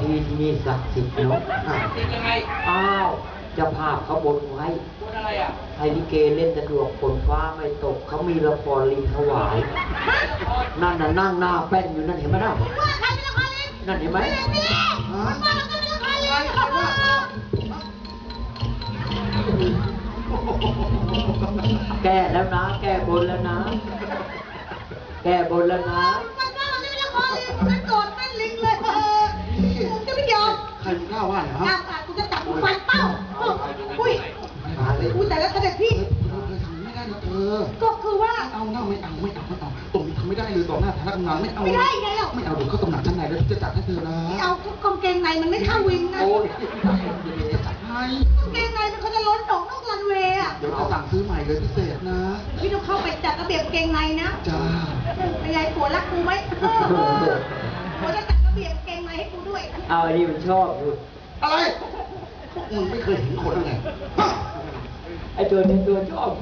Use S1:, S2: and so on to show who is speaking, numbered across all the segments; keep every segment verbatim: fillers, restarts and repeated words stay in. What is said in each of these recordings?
S1: ที่ที่นี่ศักดิ์สิทธิ์เนาะศักดิ์สิทธิ์ยังไงอ้าวเจ้าภาพเขาบนไว้บนอะไรอ่ะให้ลิเกเล่นสะดวกฝนฟ้าไม่ตกเขามีละครลิงถวายนั่นน่ะนั่งหน้าแป้นอยู่นั่นเห็นไหมน่ะนั่นเห็นไหมแก้แล้วนะแก้บนแล้วนะแก้บนแล้วนะ
S2: มันว่ามันจะไม่ละครลิงมันโกรธเป็นลิงเลยเออกูจะไม่ยอม
S3: ใครกล้าว่าเหรอฮะ
S2: กูจะจับกูฟันเป้าอุ้ยอุ้ยแต่แล้วเสด็จพี่
S3: ไม่ได้นะเธอ
S2: ก็คือว่า
S3: เอาหน้าไม่เอาไม่เอาไม่เอาตรงนี้ทำไม่ได้เลยต่อหน้าฐานะกำนันไม่เอา
S2: ไม่ได้ไงหรอก
S3: ไม่เอาเดี๋ยวเขาตำหนักชั้นในแล้วจะจัดให้เธอนะ
S2: ไม่เอากางเกงในมันไม่เข้าวิงนะ
S3: โอ้ยจะจัดให้
S2: กางเกงในมันเขาจะล้นออกนอกรันเวย์อ่ะ
S3: เดี๋ยวจะสั่งซื้อใหม่เลยพิเศษนะ
S2: พี่ต้องเข้าไปจัดระเบียบกางเกงในนะ
S3: จ้า
S2: เป็นไงผัวรักกูไหมผัวจะจัดระเบียบกางเกงในให้กูด้วย
S1: เอาอันนี้มันชอบอยู่
S3: อะไรพวกมึงไม่เคยเห็นคนไง
S1: ไอ้ตัวนี้ตัวชอบ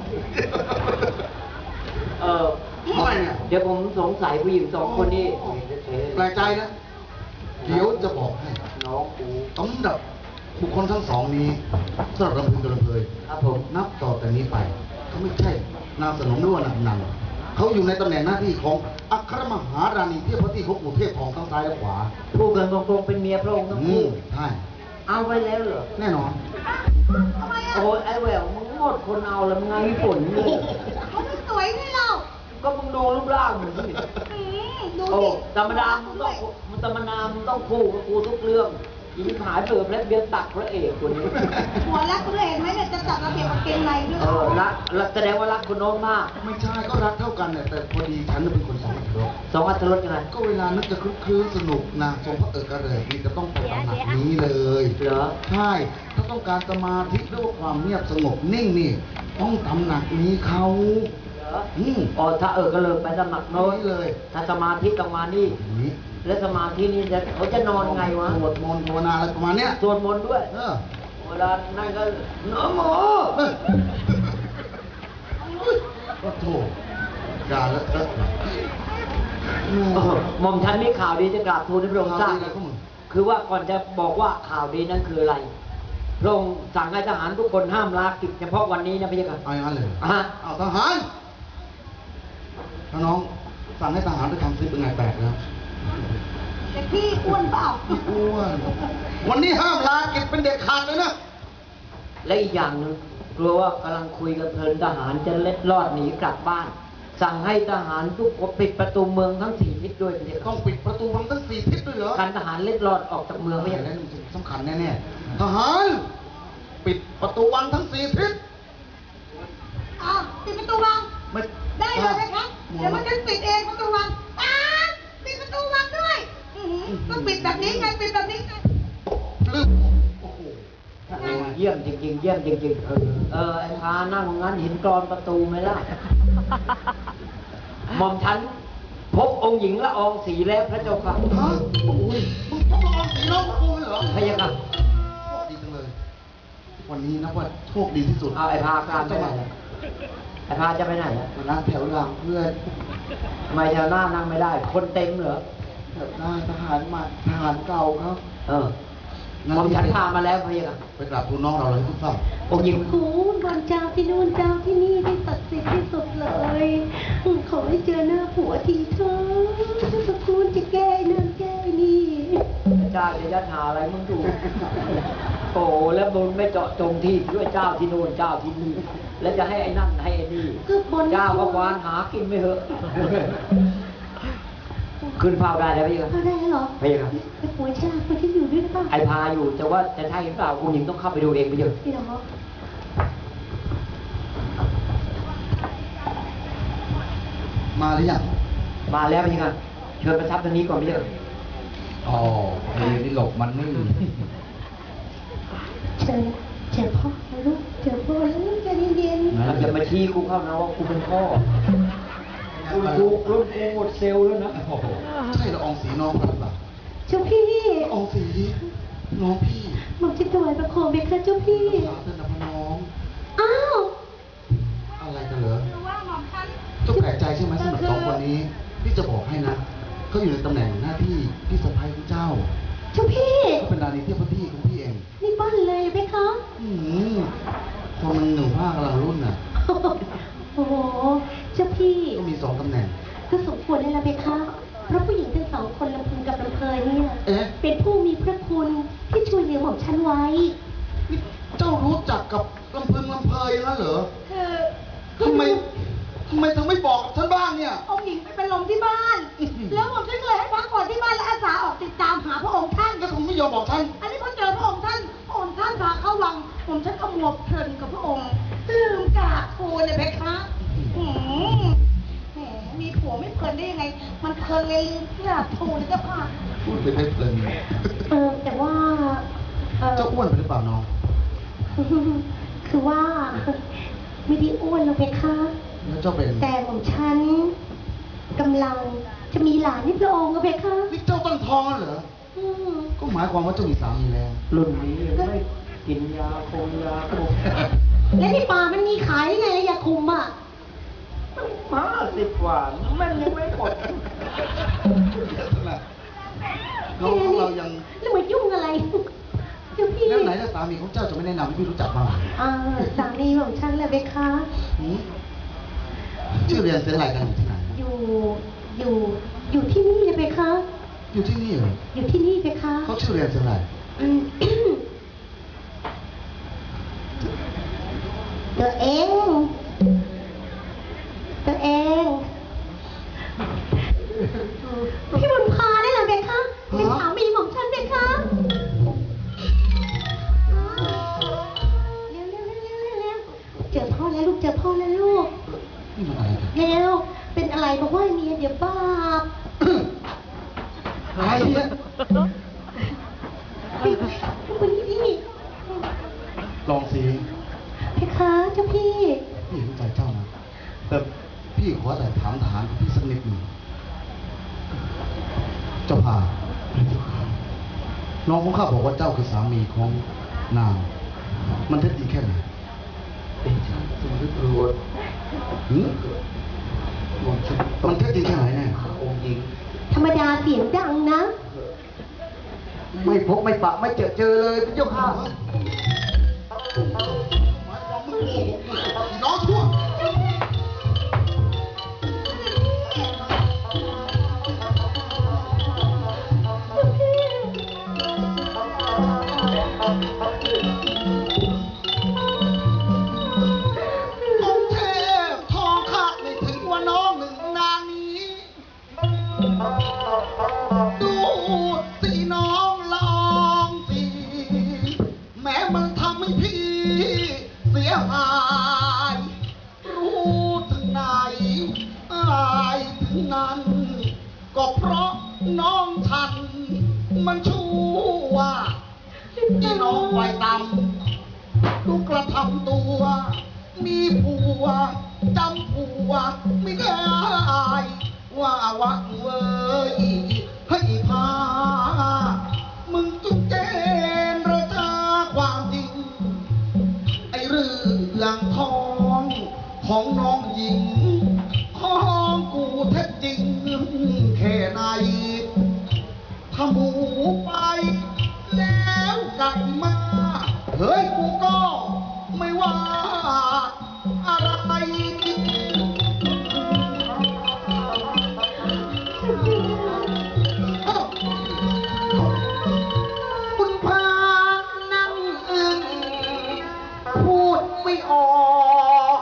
S1: เออ
S3: อะไรเนี่ย
S1: เดี๋ยวผมสงสัยผู้หญิงสองคนนี้
S3: แปลกใจนะเดี๋ยวจะบอกให้
S1: น้องกู
S3: สำหรับบุคคลทั้งสองนี้สำหรับลำพึงกับลำเพย
S1: ครับผม
S3: นับต่อแต่นี้ไปเขาไม่ใช่นามสนมหรือว่านามนันเขาอยู่ในตำแหน่งหน้าที่ของอัครมหาราณีเทพพระที่ของปู่เทพทองทั้งซ้ายและขวา
S1: ผู้เกินตรงๆเป็นเมียพระองค์ทั้งคู่
S3: ใช่
S1: เอาไว้แล้วเหรอ
S3: แน่นอน
S1: โอ้ยไอ้แหววมึงหมดคนเอาแล้วมึงไงฝนเลย
S2: เขาไม่สวยให้เรา
S1: ก็มึงดูรูปร่างมึงสิ
S2: ดู
S1: ดิธรรมดามึงต้องมึงธรรมดามึงต้องคู่กับกูทุกเรื่องยิงหายเปิดแล้วเบี้ยตักพระเอกคนนี้
S2: หัวรักเลยเห็นไหมเนี่ยจะจัดระเบียบกางเกงในด้วย
S1: เออรักรักแสดงว่ารักคนโน้นมาก
S3: ไม่ใช่ก็รักเท่ากันเนี่ยแต่พอดีฉันเป็นคนสองอัตรส
S1: สองอัตรสยังไง
S3: ก็เวลานึกจะคลึกคลื้นสนุกนะทรงพระเอกระเริกนี่จะต้องไปตำหนักนี้เลย
S1: เหรอ
S3: ใช่ถ้าต้องการสมาธิหรือว่าความเงียบสงบนิ่งนี่ต้องตำหนักนี้เขา
S1: อืมอ๋อถ้าเออก็เลยไปสมัครโน้น
S3: เลย
S1: ถ้าสมาธิต้องมานี่แล้วสมาธินี่จะเขาจะนอนไงวะ
S3: สวดมนต์ภาวนาอะไรประมาณเนี้ย
S1: สวดมนต์ด้วย
S3: เออ
S1: เวลานั่นก็หนอหมอ
S3: ก็โถอย่าละ
S1: หม่อมฉันมีข่าวดีจะกราบทูลให้พระองค์ทราบคือว่าก่อนจะบอกว่าข่าวดีนั้นคืออะไรพระองค์สั่งให้ทหารทุกคนห้ามลากิจเฉพาะวันนี้นะพี่ครับ
S3: เอาอย่างนั้นเลย
S1: อ่ะ
S3: เอาทหารน้องสั่งให้ทหารไปทำซิปเป็นไงแปลกแล้ว
S2: แต่พี่อ้วนเปล่า
S3: อ้วนวันนี้ห้ามลากิจเป็นเด็กขาดเลยนะ
S1: และอีกอย่างหนึ่งกลัวว่ากำลังคุยกับเพลินทหารจะเล็ดลอดหนีกลับบ้านสั่งให้ทหารทุกคนปิดประตูเมืองทั้งสี่ทิศด้วย
S3: ต้องปิดประตูเมืองทั้งสี่ทิศด้วยเหรอ
S1: การทหารเล็ดลอดออกจากเมืองไม่อย่าง
S3: นั้นสำคัญแน่ๆทหารปิดประตูวังทั้งสี่ทิศ
S2: อ่ะปิดประตูวังได้เลยนะคะเดี๋ยวมันจะปิดเองประตูวังอ่ะปิดประตูวังด้วยต้องปิดแบบนี้ไงปิดแบบนี้ไง
S3: ลืมโอ้โห
S1: เยี่ยมจริงๆเยี่ยมจริงๆเออเออไอ้พานั่งงั้นเห็นกรอนประตูไหมล่ะหม่อมฉันพบองค์หญิงละอองสีแล้วพระเจ้าค่ะ
S3: ฮะโอ้ยมึงพบละอองสีน้องกูเหรอ
S1: พระยาค่ะ
S3: ดีจังเลยวันนี้นับว่าโชคดีที่สุด
S1: เอาไอ้พาการไปไหนไอ้พาจะไปไหน
S3: มานั่งแถวหลังเพื่อน
S1: ทำไมแถวหน้านั่งไม่ได้คนเต็มเหรอ
S3: แถวหน้าทหารมาทหารเก่าครับ
S1: เออมอมฉันพามาแล้วพะยะ
S3: ไปกราบทูลน้องเราเลยทุกท่าน
S1: องค์หญิง
S2: โอ้วันเจ้าที่นู่นเจ้าที่นี่ที่ศักดิ์สิทธิ์ที่สุดเลยขอให้เจอหน้าผัวทีเถอะทุกคนจะแก้นั่นแก้นี่
S1: เจ้าจะยัดหาอะไรมึงดูโอ้แล้วมึงไม่เจาะจงที่ด้วยเจ้าที่นู่นเจ้าที่นี่แล้วจะให้ไอ้นั่นให้ไอ้นี่เจ้าก็ควานหากินไม่เหอะขึ้นพาวได้แล้วพี่ครับ
S2: พาวได้เหรอ
S1: พี่ครับ
S2: ไอ้ผัวชาคนที่อยู่ด้วยหรือเปล่า
S1: ไอ้พาอยู่แต่ว่าจะใช่หรือเปล่าคุณหญิงต้องเข้าไปดูเองไปเยอะ
S2: พี่น้อง
S3: มาหรือยัง
S1: มาแล้วพี่ครับเชิญประทับตรงนี้ก่อนพี่เยอะ
S3: อ๋อเฮ้ยนี่หลบมันนี่
S2: เชิญเชิญพ่อลูกเชิญพ่อแล้วใจเย็น
S1: ๆจะมาชี้กูเข้านะว่ากูเป็นพ่อคุณกูรุ่นกูหมดเซลล์แล้วนะ
S3: ใช่ละอองสีน้องกันหรือเปล่า
S2: เจ้าพี่
S3: ละอองสีน้องพี่
S2: มันจะถวายประโคมไหมคะเจ้าพี่
S3: สาธุนะพ่อน้อง
S2: อ้าว
S3: อะไรกันเหรอเจ้าแปลกใจใช่ไหมสำหรับสองคนนี้พี่จะบอกให้นะเขาอยู่ในตำแหน่งหน้าที่พี่สะใภ้ของเจ้า
S2: เจ้าพี่
S4: ของฉันไว้
S3: นี่เจ้ารู้จักกับลำพึงลำเพยงั้นเหรอ
S2: คือ
S3: ทำไมทำไมถึงไม่บอกฉันบ้างเนี่ย
S2: องค์หญิงไปเป็นลมที่บ้าน แล้วผมฉันก็เลยให้พักผ่อนที่บ้านและอาสาออกติดตามหาพระองค์ท่าน
S3: แล้วคุณไม่ยอมบอกฉัน
S2: อันนี้พอเจอพระองค์ท่านพระองค์ท่านพาเข้าวัง ผมฉันก็มัวเพลินกับพระองค์ลืมกราบทูลเลยเพคะหืมแหมมีผัวไม่เพลินได้ยังไง มันเพลินเลยลืมกราบทูลเลยเจ้าค่ะ
S3: พูดไปได้เพลิน
S4: เออแต่ว่าเออ
S3: เจ้าอ้วนไปหรือเปล่าน้อง
S4: คือว่า ไม่ได้อ้วนหรอกเพคะ
S3: แล้วเจ้าเป็น
S4: แต่ของฉันกำลังจะมีหลานนี่พระองค์ก็เพคะ
S3: นี่เจ้าตั้งท้องแล้วเหรอ
S4: อืม
S3: ก็หมายความว่าเจ้ามีสามีแล้ว
S1: รุ่นนี้ยังไม่กินยาคงยาคุม
S4: และในป่ามันมีขายได้ไงระยะคุมอ่ะ
S1: ห้าสิบกว่ามันยังไม่หมด
S3: น้องของเรายัง
S4: แล้วมายุ่งอะไรเจ้าพี่
S3: แล้วไหนแล้วสามีของเจ้าจะไม่แนะนำให้พี่รู้จักบ้าง
S4: อ่าสามีของฉันแหละเพคะ
S3: หืมชื่อเรียนเสียงอะไรกันอยู่ที่ไหน
S4: อยู่ อยู่ อยู่ที่นี่เลยเพคะ
S3: อยู่ที่นี่เหรอ
S4: อยู่ที่นี่เพคะ
S3: เขาชื่อเรียนเสียงอะไร
S4: อืม ตัวเอง ตัวเอง พี่บุญพาได้เหรอเพคะเป็นสามีของฉันเพคะเร็วเร็วเร็วเร็วเร็วเร็วเจอพ่อแล้วลูกเจอพ่อแล้วลูก
S3: นี่มันอะไรกัน
S4: เร็วเป็นอะไรบอกว่าเมียเดี๋ยวบาป
S3: อะไรเนี่ย
S4: วันนี้พี่
S3: ลองสิ
S4: เพคะเจ้าพี่
S3: พี่เห็นใจเจ้านะแต่พี่ขอแต่ถามฐานพี่สักนิดหนึ่งเจ้าพาน้องของข้าบอกว่าเจ้าคือสามีของนาง มันเท็จจริงแค่ไหน
S1: เป็นชาติสมฤทธิ์รวด
S3: หืม
S1: ผมฉัน
S3: มันเท็จจริงแค่ไหนแน่
S1: องค์หญิง
S4: ธรรมดาเสียงดังนะ
S1: ไม่พบไม่ปะไม่เจอเจอเลยพระเจ้าค่ะ
S3: น้องชั่วองค์เทพทองข้าไม่ถึงว่าน้องหนึ่งนางนี้ ดูสิน้องลองสิแม้มันทำให้พี่เสียหาย รู้ถึงไหนอายถึงนั้น ก็เพราะน้องฉัน มันชั่วที่น้องไฟต่ำดูกระทำตัว มีผัวจำผัวไม่ได้ ว่าวังเว้ยให้พา มึงจุกเจนระจาความจริง ไอ้เรื่องทองของน้องหญิง ของกูแท้จริงแค่ไหน ถ้าหมูไปแล้วกลับมา เฮ้ยกูก็ไม่ว่าอะไร คุณพานั่งอึ้งพูดไม่ออก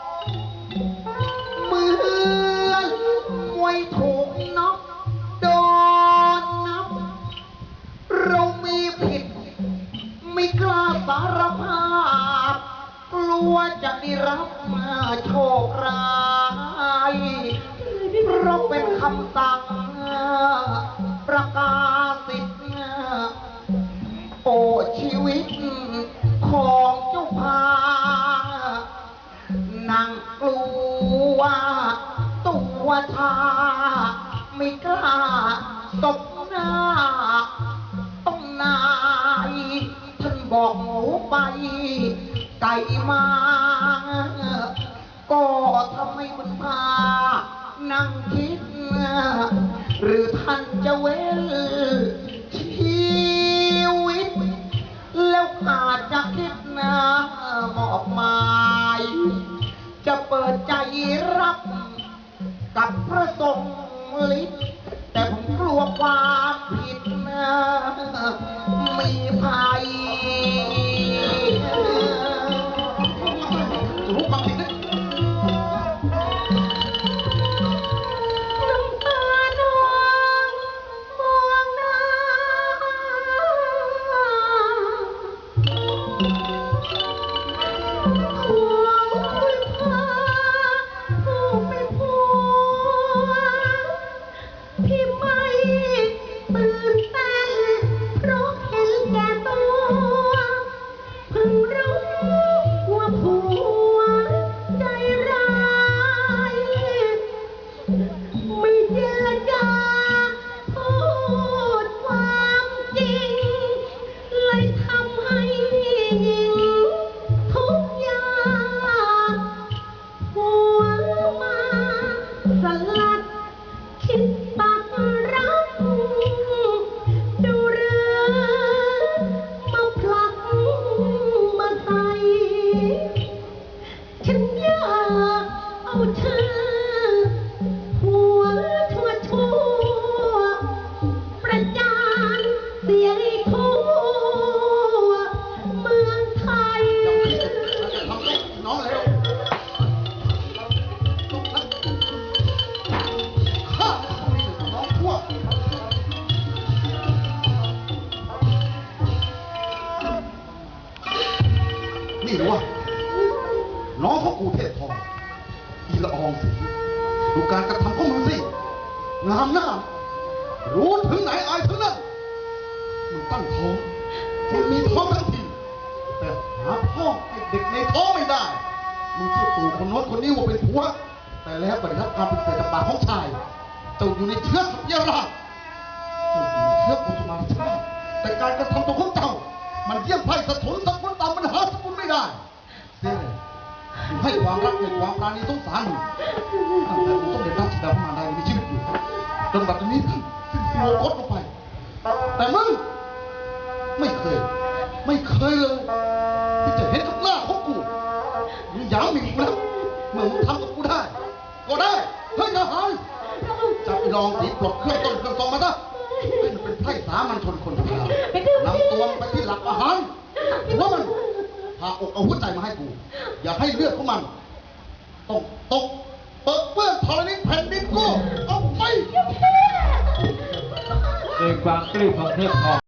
S3: เหมือนมวยถูกน็อกโดนนับ เรามีผิด ไม่กล้าสารภาพ กลัวจะได้รับมาโชคร้ายเพราะเป็นคำสั่งประกาศสิทธิ์โอ้ชีวิตของเจ้าพานางกลัวตัวชาไม่กล้าตบหน้าต้องนายท่านบอกหมูไป ไก่มา ก็ทำให้มันพา นั่งคิด หรือท่านจะเว้นชีวิต แล้วอาจจะคิดนะมอบหมาย จะเปิดใจรับ กับพระทรงฤทธิ์แต่ผมกลัวความผิดนะมีภัยนี่หรือวะน้องของกูเทพทองอีละอองสีดูการกระทำของมึงสิงามหน้ารู้ถึงไหนอายถึงนั่นมึงตั้งท้องมึงมีท้องทั้งทีแต่หาพ่อให้เด็กในท้องไม่ได้มึงเชื่อตู่คนโน้นคนนี้ว่าเป็นผัวแต่แล้วปฏิรับการเป็นเศษจากปากของชายเจ้าอยู่ในเชื้อสัพยาราชเจ้าอยู่ในเชื้อกุสุมาราชาแต่การกระทำตัวของเจ้ามันเยี่ยมไพ่สะทุนสกุลต่ำมันหาสกุลไม่ได้เสียเลยมึงให้ความรักให้ความปราณีสงสารมึงตั้งแต่มึงต้องเด็จราชดามาได้มีชีวิตอยู่จนบัดนี้ท่านสิ้นโลกลงไปแต่มึงไม่เคยไม่เคยเลยที่จะเห็นกับหน้าของกูมึงหยามหมิ่นกูแล้วเมื่อมึงทำกับกูได้ก็ได้เฮ้ยทหารจับไอ้รองสีปลดเครื่องต้นเครื่องทรงมาซะให้มันเป็นไพร่สามัญชนคนธรรมดานำตัวมันไปที่หลักอาหารหัวมันพาอกเอาหัวใจมาให้กูอย่าให้เลือดของมันต้องตกเปิดเปื้อนธรณีแผ่นดินกูเอาไป
S5: ด้วยความกลิ้วของเทพทอง